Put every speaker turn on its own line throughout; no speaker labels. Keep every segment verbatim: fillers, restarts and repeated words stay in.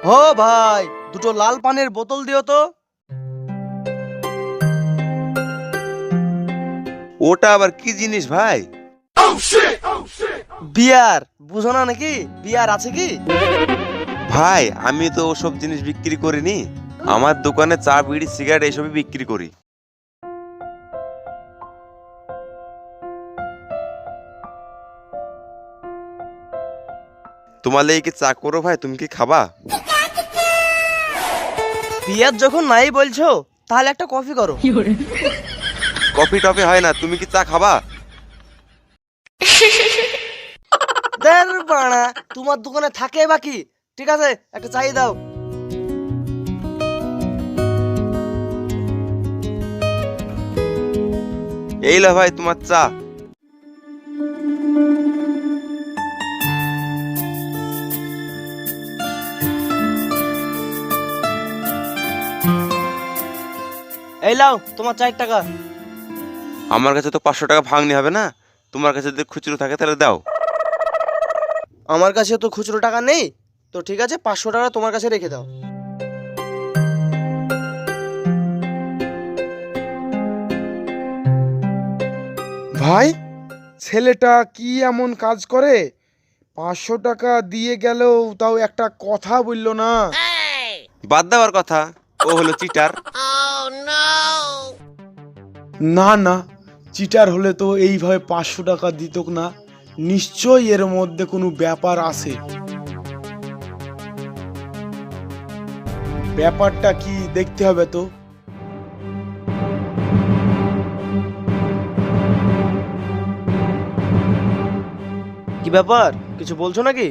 ও ভাই, দুটো লাল পানের বোতল দিও তো।
ওটা আবার কি জিনিস ভাই?
বিয়ার, বুঝো না নাকি? বিয়ার আছে কি?
ভাই আমি তো ওসব জিনিস বিক্রি করিনি, আমার দোকানে চা বিড়ি সিগারেট এইসবই বিক্রি করি। তোমার লেগে কি চা করো ভাই? তুমি কি খাবা?
বিয়ার যখন নাই বলছো, তাহলে একটা কফি করো।
কফি টফি হয় না, তুমি কি চা খাবা?
দের বাড়া, তোমার দোকানে থাকে বাকি। ঠিক আছে, একটা চাই দাও।
এই লো ভাই তোমার চা।
এই লাও তোমার চার টাকা।
আমার কাছে তো পাঁচশো টাকা ভাঙনি হবে না, তোমার কাছে যদি খুচরো থাকে তাহলে দাও।
আমার কাছে তো খুচরো টাকা নেই, তো ঠিক আছে পাঁচশো টাকা তোমার কাছে রেখে দাও।
ভাই, ছেলেটা কি এমন কাজ করে? পাঁচশো টাকা দিয়ে গেলেও তাও একটা কথা বললো না।
বাদ দেওয়ার কথা, ও হলো চিটার।
না না, চিটার হলে তো এইভাবে পাঁচশো টাকা দিত না। নিশ্চয়ই এর মধ্যে কোনো ব্যাপার আছে। ব্যাপারটা কি দেখতে হবে তো।
কি ব্যাপার, কিছু বলছো নাকি?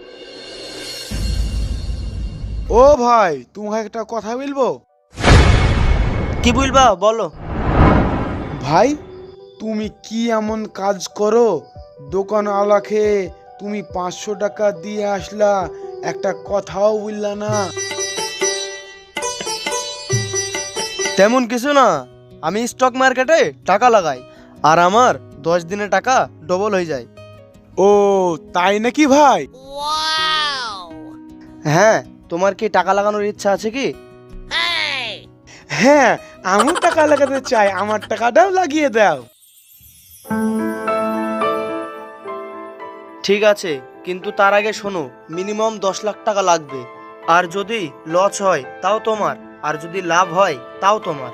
ও ভাই, তোমাকে একটা কথা বলবো।
কি বলবা বলো।
ভাই, তুমি কি এমন কাজ করো? দোকান আলাকে তুমি পাঁচশো টাকা দিয়ে আসলা, একটা কথাও বললা না।
তেমন কিছু না, আমি স্টক মার্কেটে টাকা লাগাই, আর আমার দশ দিনে টাকা ডবল হয়ে যায়।
ও তাই নাকি ভাই?
হ্যাঁ, তোমার কি টাকা লাগানোর ইচ্ছা আছে কি?
হ্যাঁ, আমিও টাকা লাগাতে চাই, আমার টাকাটাও লাগিয়ে দাও।
ঠিক আছে, কিন্তু তার আগে শোনো, মিনিমাম দশ লাখ টাকা লাগবে। আর যদি লস হয় তাও তোমার, আর যদি লাভ হয় তাও তোমার।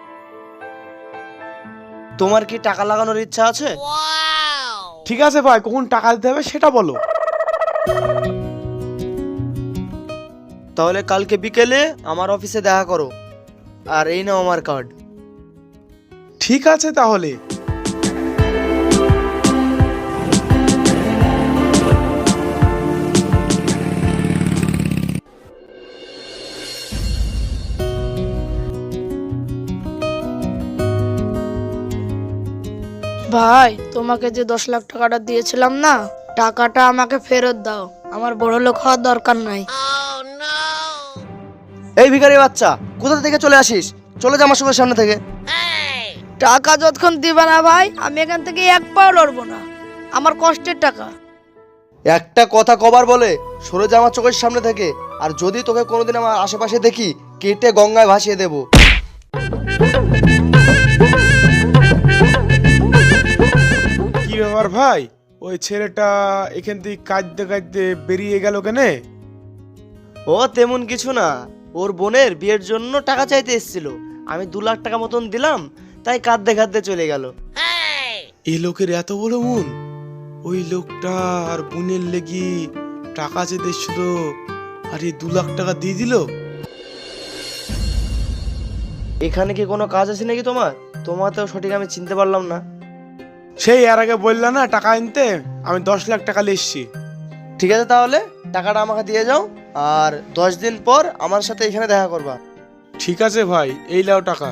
তোমার কি টাকা লাগানোর ইচ্ছা আছে?
ঠিক আছে ভাই, কখন টাকা দিতে হবে সেটা বলো।
তাহলে কালকে বিকেলে আমার অফিসে দেখা করো, আর এই নাও আমার কার্ড।
ঠিক আছে তাহলে।
ভাই, তোমাকে যে দশ লাখ টাকাটা দিয়েছিলাম না, টাকাটা আমাকে ফেরত দাও। আমার বড় লোক হওয়ার দরকার নাই।
এই ভিখারি বাচ্চা, কোথা থেকে চলে আসিস? চলে যা আমার চোখের সামনে থেকে।
টাকা যতক্ষণ দিবা না ভাই, আমি এখান থেকে এক পাও লড়বো না। আমার কষ্টের টাকা।
একটা কথা কবার বলে সরে যা আমার চোখের সামনে থেকে, আর যদি তোকে কোনোদিন আমার আশেপাশে দেখি, কেটে গঙ্গায় ভাসিয়ে দেবো।
কি ব্যাপার ভাই, ওই ছেলেটা এখান থেকে কাঁদতে কাঁদতে বেরিয়ে গেল কেনে?
ও তেমন কিছু না, ওর বোনের বিয়ের জন্য টাকা চাইতে এসেছিল, আমি দু লাখ টাকা মতন দিলাম, তাই কাঁদতে কাঁদতে চলে গেল।
এই লোকের এত বড় মন! ওই লোকটা আর বোনের লেগি টাকা চেতে এসছিল, আর এই দু লাখ টাকা দিয়ে দিল।
এখানে কি কোনো কাজ আছে নাকি তোমার? তোমার তো সঠিক আমি চিনতে পারলাম না।
সেই এর আগে বললা না টাকা আনতে, আমি দশ লাখ টাকা নিয়ে এসছি।
ঠিক আছে, তাহলে টাকাটা আমাকে দিয়ে যাও, আর দশ দিন পর আমার সাথে এখানে দেখা করবা।
ঠিক আছে ভাই, এই নাও টাকা।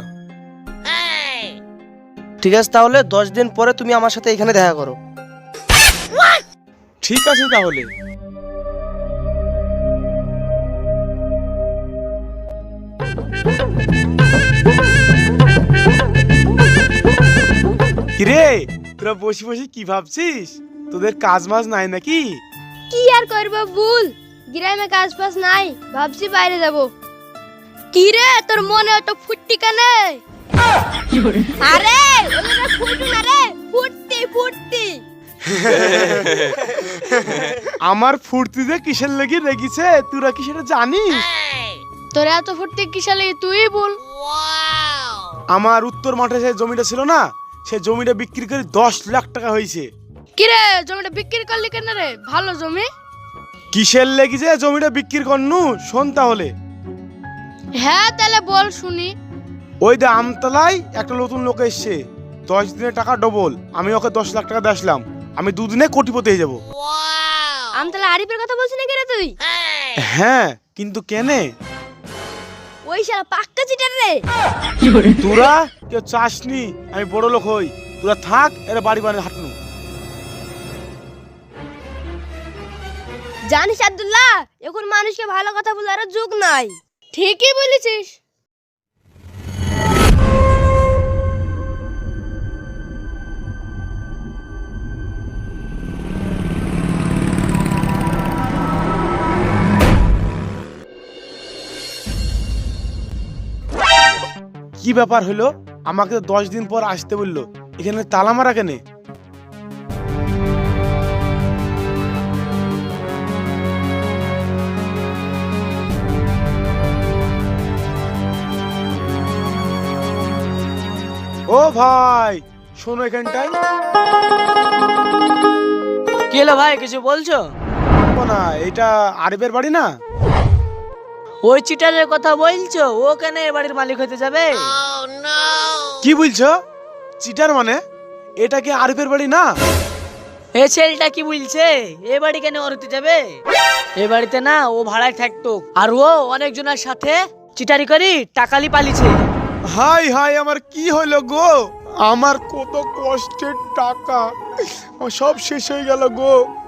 ঠিক আছে, তাহলে দশ দিন পরে তুমি আমার সাথে এখানে দেখা করো।
ঠিক আছে তাহলে। কিরে, তোরা বসে বসে কি ভাবছিস? তোদের কাজ মাজ নাই নাকি?
কি আর করবো, ভুল গ্রামে কাজ পাস নাই, ভাবছি বাইরে যাব। কি রে তোর মনে অত ফুটতি কানে? আরে ওটা ফুটু না রে, ফুটতি ফুটতি।
আমার ফুর্তিতে কিসের লেগে রেগেছে তোরা কি সেটা জানিস?
তোর এত ফুটতি কিসে লাগে তুই বল।
আমার উত্তর মাঠে যে জমিটা ছিল না, সে জমিটা বিক্রি করে দশ লাখ টাকা হয়েছে।
কি রে জমিটা বিক্রি করলি কেন রে? ভালো জমি।
কিসের লেগেছে জমিটা বিক্রি করনু শোন তাহলে।
হ্যাঁ তাহলে বল শুনি।
ওই দে আমতলায় একটা নতুন লোক এসছে, দশ দিনের টাকা ডবল। আমি ওকে দশ লাখ টাকা দিয়ে আসলাম, আমি দুদিনে কোটিপতি হয়ে যাবো।
আমি তাহলে আরিফের কথা বলছি নাকি রে তুই?
হ্যাঁ কিন্তু কেনে?
ওই শালা পাক্কা চিটার রে।
তোরা কেউ চাসনি আমি বড় লোক হই, তোরা থাক এরা বাড়ি বাড়ি হাঁটনু।
জানিস আব্দুল্লাহ, এখন মানুষকে ভালো কথা বলার যুগ নাই। ঠিকই বলেছিস।
কি ব্যাপার হলো? আমাকে তো দশ দিন পর আসতে বললো, এখানে তালা মারা কেনে? ও ভাই শোনো এখানটায়।
কি হলো ভাই, কিছু বলছো?
ও না, এটা আরিফের বাড়ি না?
ওই চিটারের কথা বলছো? ও কেন এ বাড়ির মালিক হতে যাবে?
কি বলছো? চিটার মানে? এটা কি আরিফের বাড়ি না?
এ ছেলেটা কি বলছে? এ বাড়ি কেন ওর হতে যাবে? এ বাড়িতে না ও ভাড়ায় থাকতো, আর ও অনেকজনের সাথে চিটারি করি টাকালি পালিছে।
হাই হাই আমার কি হলো গো? আমার কত কষ্টের টাকা আমার সব শেষ হয়ে গেল গো।